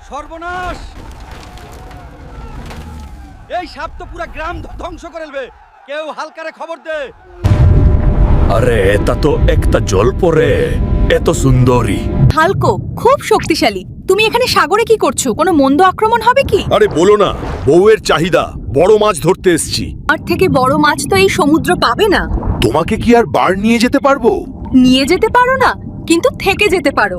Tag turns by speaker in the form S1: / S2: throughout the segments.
S1: সর্বনাশ! এই সাপ তো পুরো গ্রাম ধ্বংস করে ফেলবে। কেউ হালকারে খবর দে।
S2: আরে এটা তো একটা জলপরে, এত সুন্দরী।
S3: হালকো খুব শক্তিশালী। তুমি এখানে সাগরে কি করছো? কোনো মন্দ আক্রমণ হবে কি?
S2: আরে বলো না, বউয়ের চাহিদা, বড় মাছ ধরতে এসেছি।
S3: আর থেকে বড় মাছ তো এই সমুদ্র পাবে না।
S2: তোমাকে কি আর বার নিয়ে যেতে পারবো?
S3: নিয়ে যেতে পারো না, কিন্তু থেকে যেতে পারো।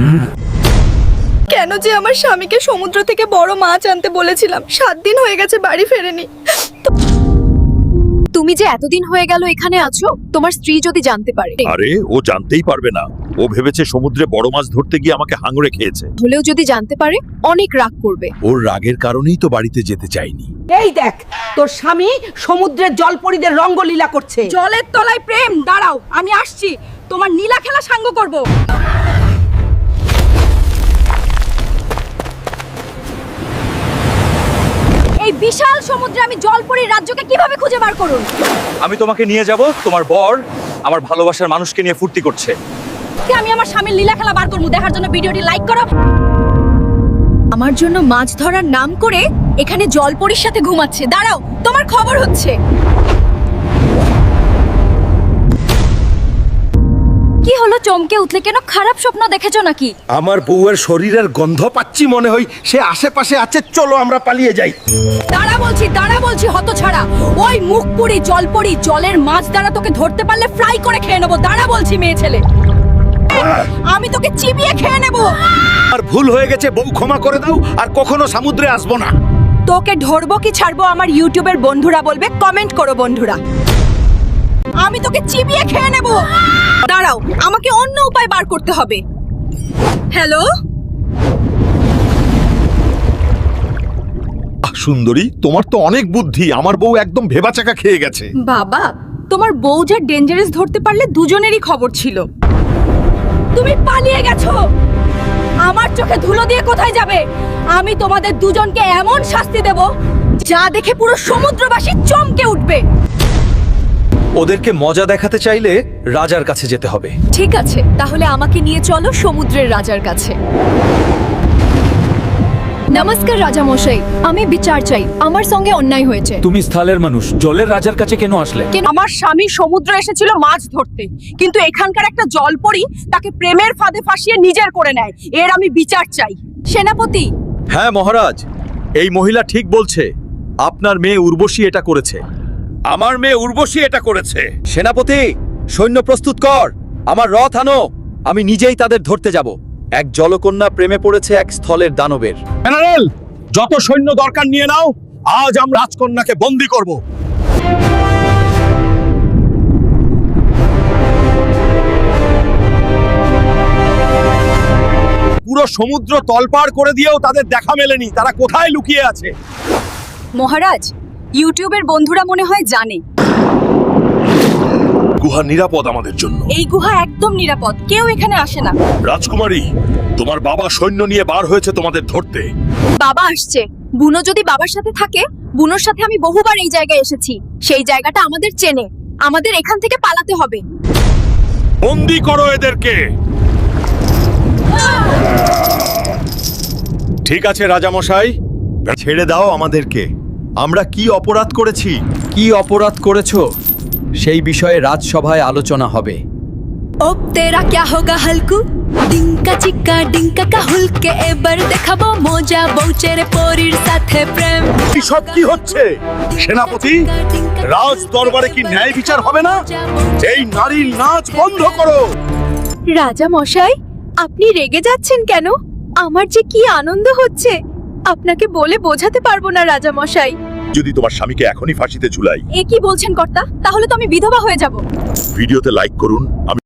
S3: কেন যে আমার স্বামীকে সমুদ্র থেকে বড় মাছ আনতে বলেছিলাম, 7 দিন হয়ে গেছে বাড়ি ফেরেনি। তুমি যে এতদিন হয়ে গেল এখানে আছো, তোমার স্ত্রী যদি জানতে পারে।
S2: আরে ও জানতেই পারবে না। ও ভেবেছে সমুদ্রে বড় মাছ ধরতে গিয়ে আমাকে হাঙড়ে খেয়েছে।
S3: হলেও যদি জানতে পারে অনেক রাগ করবে।
S2: ওর রাগের কারণেই তো বাড়িতে যেতে চাইনি।
S4: এই দেখ, তোর স্বামী সমুদ্রের জলপরীদের রঙ্গলীলা করছে।
S3: জলের তলায় প্রেম। দাঁড়াও, আমি আসছি, তোমার নীলা খেলা সাঙ্গ করব। এই বিশাল সমুদ্রে আমি জলপরীর রাজ্যকে কিভাবে খুঁজে বার করুন?
S1: আমি তোমাকে নিয়ে যাব। তোমার বর আমার ভালোবাসার মানুষকে নিয়ে ফুর্তি করছে।
S3: আমি আমার স্বামীর লীলা খেলা বার করবো। দেখার জন্য ভিডিওটি লাইক করো। আমার জন্য মাছ ধরার নাম করে এখানে জলপরীর সাথে ঘুমাচ্ছে। দাঁড়াও, তোমার খবর হচ্ছে। কি হলো, চমকে উঠলে কেন? খারাপ স্বপ্ন দেখেছো নাকি?
S5: আমার বউয়ের শরীরের গন্ধ পাচ্ছি, মনে হয় সে আশেপাশে আছে। চলো আমরা পালিয়ে যাই।
S3: দাঁড়া বলছি হতছাড়া। ওই মুখপুরি জলপরি জলের মাছ দ্বারা তোকে ধরতে পারলে ফ্রাই করে খেয়ে নেবো। দাঁড়া বলছি মেয়ে ছেলে, আমি তোকে চিবিয়ে খেয়ে নেবো।
S5: আর ভুল হয়ে গেছে, বউ ক্ষমা করে দাও, আর কখনো সমুদ্রে আসবো না।
S3: তোকে ধরবো কি ছাড়বো আমার ইউটিউবের বন্ধুরা বলবে। কমেন্ট করো বন্ধুরা। আমি তোকে চিবিয়ে খেয়ে নেব। দাঁড়াও, আমাকে অন্য উপায় বার করতে হবে। হ্যালো
S5: সুন্দরী, তোমার তো অনেক বুদ্ধি। আমার বউ একদম ভেবাচাকা খেয়ে গেছে।
S3: বাবা, তোমার বউ যা ডেঞ্জারাস ধরতে পারলে দুজনেরই খবর ছিল। তুমি পালিয়ে গেছো। আমার চোখে ধুলো দিয়ে কোথায় যাবে? আমি তোমাদের দুজনকে এমন শাস্তি দেব যা দেখে পুরো সমুদ্রবাসী চমকে উঠবে।
S1: ওদেরকে মজা দেখাতে চাইলে রাজার কাছে যেতে হবে।
S3: ঠিক আছে, তাহলে আমাকে নিয়ে চলো সমুদ্রের রাজার কাছে। নমস্কার রাজা মশাই, আমি বিচার চাই। আমার সঙ্গে অন্যায় হয়েছে।
S1: তুমি স্থলের মানুষ, জলের রাজার কাছে কেন আসলে?
S3: আমার স্বামী সমুদ্রে এসেছিল মাছ ধরতে, কিন্তু এখানকার একটা জলপরী তাকে প্রেমের ফাঁদে ফাঁসিয়ে নিজের করে নেয়। এর আমি বিচার চাই। সেনাপতি।
S1: হ্যাঁ মহারাজ, এই মহিলা ঠিক বলছে। আপনার মেয়ে উর্বশী এটা করেছে।
S5: আমার মেয়ে উর্বশী এটা করেছে।
S1: সেনাপতি, সৈন্য প্রস্তুত কর। আমার রথ আনো। আমি নিজেই তাদের ধরতে যাব। এক জলকন্যা প্রেমে পড়েছে এক স্থলের দানবের।
S5: জেনারেল, যত সৈন্য দরকার নিয়ে নাও। আজ আমরা রাজকন্যাকে বন্দী করব। পুরো সমুদ্র তলপাড় করে দিয়েও তাদের দেখা মেলেনি। তারা কোথায় লুকিয়ে আছে?
S3: মহারাজ, ইউটিউবের বন্ধুরা মনে হয় জানে
S5: গুহা নিরাপদ আমাদের জন্য।
S3: এই গুহা একদম নিরাপদ, কেউ এখানে আসে না।
S5: রাজকুমারী, তোমার বাবা সৈন্য নিয়ে বার হয়েছে তোমাদের ধরতে।
S3: বাবা আসছে। বুনো যদি বাবার সাথে থাকে, বুনোর সাথে আমি বহুবার এই জায়গায় এসেছি। সেই জায়গাটা আমাদের চেনে। আমাদের এখান থেকে পালাতে হবে।
S5: বন্দী করো এদেরকে। ঠিক আছে রাজামশাই, ছেড়ে দাও আমাদেরকে। আমরা কি অপরাধ করেছি?
S1: কি অপরাধ করেছো সেই বিষয়ে রাজসভায় আলোচনা হবে।
S3: अब तेरा क्या होगा हल्कू? डिंका चिक्का डिंका का हुलके এবার দেখাবো মজা বউচের পরীর সাথে প্রেম।
S5: এসব কি হচ্ছে? সেনাপতি, রাজ দরবারে কি ন্যায় বিচার হবে না? এই নারীর নাচ বন্ধ করো।
S3: রাজা মশাই, আপনি রেগে যাচ্ছেন কেন? আমার যে কি আনন্দ হচ্ছে, আপনাকে বলে বোঝাতে পারবো না রাজা মশাই।
S5: যদি তোমার স্বামীকে এখনই ফাঁসিতে ঝুলাই।
S3: এ কি বলছেন কর্তা? তাহলে তো আমি বিধবা হয়ে যাব।
S5: ভিডিওতে লাইক করুন।